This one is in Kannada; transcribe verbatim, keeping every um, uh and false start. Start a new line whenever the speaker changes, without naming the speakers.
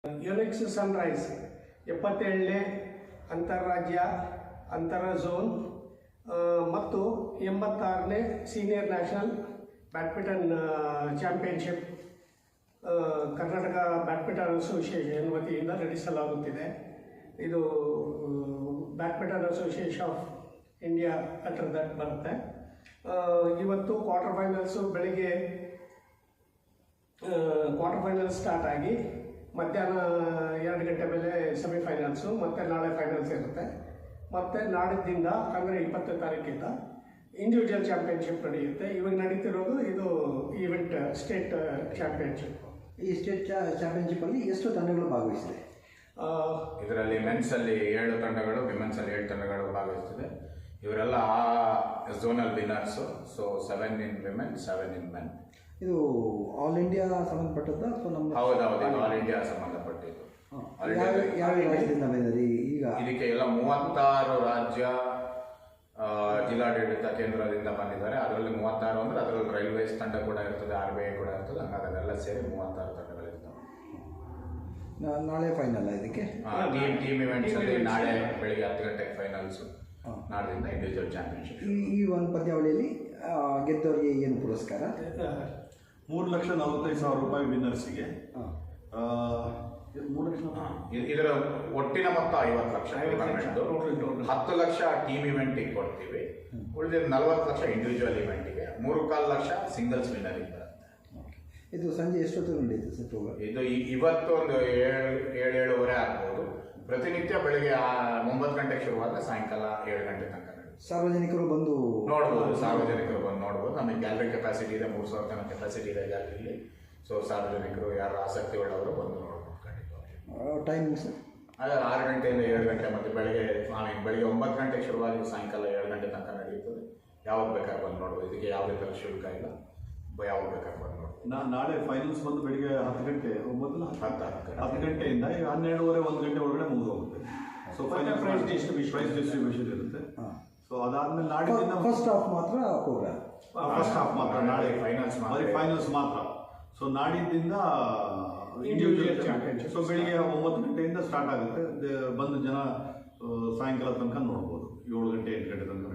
ಯುನಿಕ್ಸ್ ಸನ್ರೈಸ್ ಎಪ್ಪತ್ತೇಳನೇ ಅಂತಾರಾಜ್ಯ ಅಂತರ ಝೋನ್ ಮತ್ತು ಎಂಬತ್ತಾರನೇ senior national badminton championship Karnataka badminton association ವತಿಯಿಂದ ನಡೆಸಲಾಗುತ್ತಿದೆ. ಇದು badminton association of India under that ಬರುತ್ತೆ. ಇವತ್ತು ಕ್ವಾರ್ಟರ್ ಫೈನಲ್ಸು ಬೆಳಿಗ್ಗೆ ಕ್ವಾರ್ಟರ್ ಫೈನಲ್ ಸ್ಟಾರ್ಟ್ ಆಗಿ ಮಧ್ಯಾಹ್ನ ಎರಡು ಗಂಟೆ ಮೇಲೆ ಸೆಮಿಫೈನಲ್ಸು, ಮತ್ತು ನಾಳೆ ಫೈನಲ್ಸ್ ಇರುತ್ತೆ. ಮತ್ತು ನಾಡಿದ್ದಿಂದ ಅಂದರೆ ಇಪ್ಪತ್ತನೇ ತಾರೀಕಿಂದ ಇಂಡಿವಿಜುವಲ್ ಚಾಂಪಿಯನ್ಶಿಪ್ ನಡೆಯುತ್ತೆ. ಇವಾಗ ನಡೀತಿರೋದು ಇದು ಈವೆಂಟ್ ಸ್ಟೇಟ್ ಚಾಂಪಿಯನ್ಶಿಪ್.
ಈ ಸ್ಟೇಟ್ ಚಾಂಪಿಯನ್ಶಿಪ್ಪಲ್ಲಿ ಎಷ್ಟು ತಂಡಗಳು ಭಾಗವಹಿಸಿದೆ?
ಇದರಲ್ಲಿ ಮೆನ್ಸಲ್ಲಿ ಏಳು ತಂಡಗಳು, ವಿಮೆನ್ಸಲ್ಲಿ ಏಳು ತಂಡಗಳು ಭಾಗವಹಿಸ್ತಿದೆ. ಇವರೆಲ್ಲ ಆ zonal winners. So seven in women, seven in men.
ಇದು ಆಲ್ ಇಂಡಿಯಾ ಸಂಬಂಧಪಟ್ಟದ್ದು ಅಥವಾ ನಮ್ಮ?
ಹೌದೌದು, ಇದು ಆಲ್ ಇಂಡಿಯಾ ಸಂಬಂಧಪಟ್ಟಿದ್ದು.
ಯಾವ ರಾಜ್ಯದಿಂದ ಬಂದಿದೆ ಈಗ?
ಇದಕ್ಕೆ ಎಲ್ಲ ಮೂವತ್ತಾರು ರಾಜ್ಯ ಜಿಲ್ಲಾಡಳಿತ ಕೇಂದ್ರದಿಂದ ಬಂದಿದ್ದಾರೆ. ಅದರಲ್ಲಿ ಮೂವತ್ತಾರು ಅಂದರೆ ಅದರಲ್ಲಿ ರೈಲ್ವೇಸ್ ತಂಡ ಕೂಡ ಇರ್ತದೆ, ಆರ್ ಬಿ ಐ ಕೂಡ ಇರ್ತದೆ. ಹಂಗಾಗಿ ಅದೆಲ್ಲ ಸೇರಿ ಮೂವತ್ತಾರು ತಂಡಗಳಿರ್ತವೆ.
ನಾಳೆ ಫೈನಲ್ ಇದಕ್ಕೆ
ಟೀಮ್ ಟೀಮ್ ಇವೆಂಟ್ಸ್ ಅಲ್ಲಿ ನಾಳೆ ಬೆಳಿಗ್ಗೆ ಹತ್ತು ಗಂಟೆಗೆ ಫೈನಲ್ಸು, ನಾಳೆದಿಂದ ಇಂಡಿವಿಜುವಲ್ ಚಾಂಪಿಯನ್ಶಿಪ್.
ಈ ಈ ಒಂದು ಪಂದ್ಯಾವಳಿಯಲ್ಲಿ ಗೆದ್ದವರಿಗೆ ಏನು ಪುರಸ್ಕಾರ?
ಮೂರು ಲಕ್ಷ ನಲವತ್ತೈದು ಸಾವಿರ ರೂಪಾಯಿ ವಿನ್ನರ್ಸಿಗೆ. ಮೂರು ಲಕ್ಷ
ಇದರ ಒಟ್ಟಿನ ಮೊತ್ತ ಐವತ್ತು ಲಕ್ಷ. ಹತ್ತು ಲಕ್ಷ ಟೀಮ್ ಇವೆಂಟಿಗೆ ಕೊಡ್ತೀವಿ, ಉಳಿದ ನಲವತ್ತು ಲಕ್ಷ ಇಂಡಿವಿಜುವಲ್ ಇವೆಂಟಿಗೆ, ಮೂರು ಕಾಲು ಲಕ್ಷ ಸಿಂಗಲ್ಸ್ ವಿನ್ನರಿಗೆ ಬರುತ್ತೆ.
ಇದು ಸಂಜೆ ಎಷ್ಟೊತ್ತು ನಡೆಯುತ್ತೆ ಸರ್ ಪ್ರೋಗ್ರಾಮ್?
ಇದು ಇವತ್ತು ಒಂದು ಏಳು ಏಳು ಏಳುವರೆ ಆಗ್ಬೋದು. ಪ್ರತಿನಿತ್ಯ ಬೆಳಿಗ್ಗೆ ಒಂಬತ್ತು ಗಂಟೆಗೆ ಶುರುವಾದರೆ ಸಾಯಂಕಾಲ ಏಳು ಗಂಟೆ ತನಕ ನಡೆಯುತ್ತೆ.
ಸಾರ್ವಜನಿಕರು ಬಂದು
ನೋಡ್ಬೋದು, ಸಾರ್ವಜನಿಕರು ಬಂದು ನೋಡ್ಬೋದು. ನಮಗೆ ಗ್ಯಾಲರಿ ಕೆಪಾಸಿಟಿ ಇದೆ, ಮೂರು ಸಾವಿರ ತನಕ ಕೆಪಾಸಿಟಿ ಇದೆ ಗ್ಯಾಲರಿಲಿ. ಸೊ ಸಾರ್ವಜನಿಕರು ಯಾರು ಆಸಕ್ತಿ ಉಳ್ಳವರು ಬಂದು ನೋಡ್ಬೋದು.
ಟೈಮಿಂಗ್ ಸರ್
ಅದೇ ಆರು ಗಂಟೆಯಿಂದ ಏಳು ಗಂಟೆ, ಮತ್ತು ಬೆಳಗ್ಗೆ ಆಮೇಲೆ ಬೆಳಗ್ಗೆ ಒಂಬತ್ತು ಗಂಟೆಗೆ ಶುರುವಾಗಿ ಸಾಯಂಕಾಲ ಏಳು ಗಂಟೆ ತನಕ ನಡೆಯುತ್ತದೆ. ಯಾವಾಗ ಬೇಕಾದ್ರೆ ಬಂದು ನೋಡ್ಬೋದು. ಇದಕ್ಕೆ ಯಾವುದೇ ಥರ ಶುಲ್ಕ ಇಲ್ಲ, ಯಾವಾಗ ಬೇಕಾದ್ರೆ ಬಂದು ನೋಡ್ಬೋದು.
ನಾ ನಾಳೆ ಫೈನಲ್ಸ್ ಬಂದು ಬೆಳಿಗ್ಗೆ ಹತ್ತು ಗಂಟೆ ಒಂಬತ್ತು
ಹತ್ತು
ಹತ್ತು ಗಂಟೆಯಿಂದ ಹನ್ನೆರಡುವರೆ ಒಂದು ಗಂಟೆ ಒಳಗಡೆ ಮುಗಿದು ಹೋಗುತ್ತೆ. So final prize distribution prize distribution ಇರುತ್ತೆ. ಸೊ ಅದಾದ್ಮೇಲೆ ನಾಡಿನ
ಫಸ್ಟ್ ಹಾಫ್ ಮಾತ್ರ ಪ್ರೋಗ್ರಾಮ್,
ಫಸ್ಟ್ ಹಾಫ್ ಮಾತ್ರ ನಾಳೆ
ಫೈನಲ್ಸ್
ಬರೀ ಫೈನಲ್ಸ್ ಮಾತ್ರ. ಸೊ ನಾಡಿದ್ದಿಂದ ಇಂಡಿವಿಜುವಲ್ ಚಾಂಪಿಯನ್ಶಿಪ್. ಸೊ ಬೆಳಿಗ್ಗೆ ಒಂಬತ್ತು ಗಂಟೆಯಿಂದ ಸ್ಟಾರ್ಟ್ ಆಗುತ್ತೆ. ಬಂದು ಜನ ಸಾಯಂಕಾಲ ತನಕ ನೋಡ್ಬೋದು. ಏಳು ಗಂಟೆ ಎಂಟು ಗಂಟೆ ತನಕ